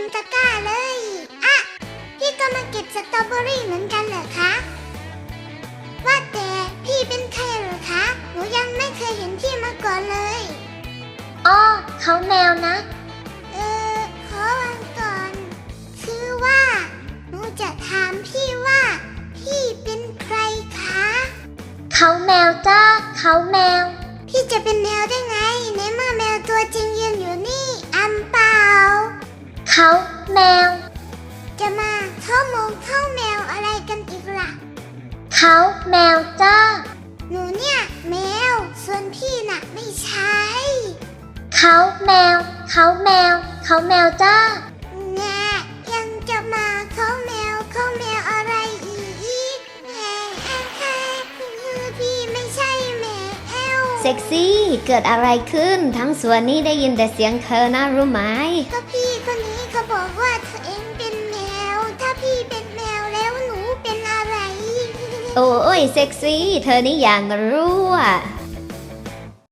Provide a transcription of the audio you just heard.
มตะกร้าเลยอ่ะพี่ก็มาเก็บสตรอเบอรี่เหมือนกันเหรอคะว่าแต่พี่เป็นใครเหรอคะหนูยังไม่เคยเห็นพี่มาก่อนเลยอ้อเขาแมวนะขอวันก่อนคือว่าหนูจะถามพี่ว่าพี่เป็นใครคะเขาแมวจ้าเขาแมวพี่จะเป็นแมวได้ไงในเมื่อแมวตัวจริงยืนอยู่นี่อัมเปล่าเขาแมวจะมาเข้าแมวอะไรกันอีกล่ะเขาแมวจ้าหนูเนี่ยแมวส่วนพี่น่ะไม่ใช่เขาแมวเขาแมวเขาแมวจ้าแง่ยังจะมาเข้าแมวอะไรอีกแหมพี่ไม่ใช่แมวเซ็กซี่เกิดอะไรขึ้นทั้งสวนนี้ได้ยินแต่เสียงเธอนะรู้ไหมก็พี่คนนี้เขาบอกว่าเธอเองเป็นแมวถ้าพี่เป็นแมวแล้วหนูเป็นอะไรโอ้ยเซ็กซี่เธอนี่อย่างรู้อ่ะ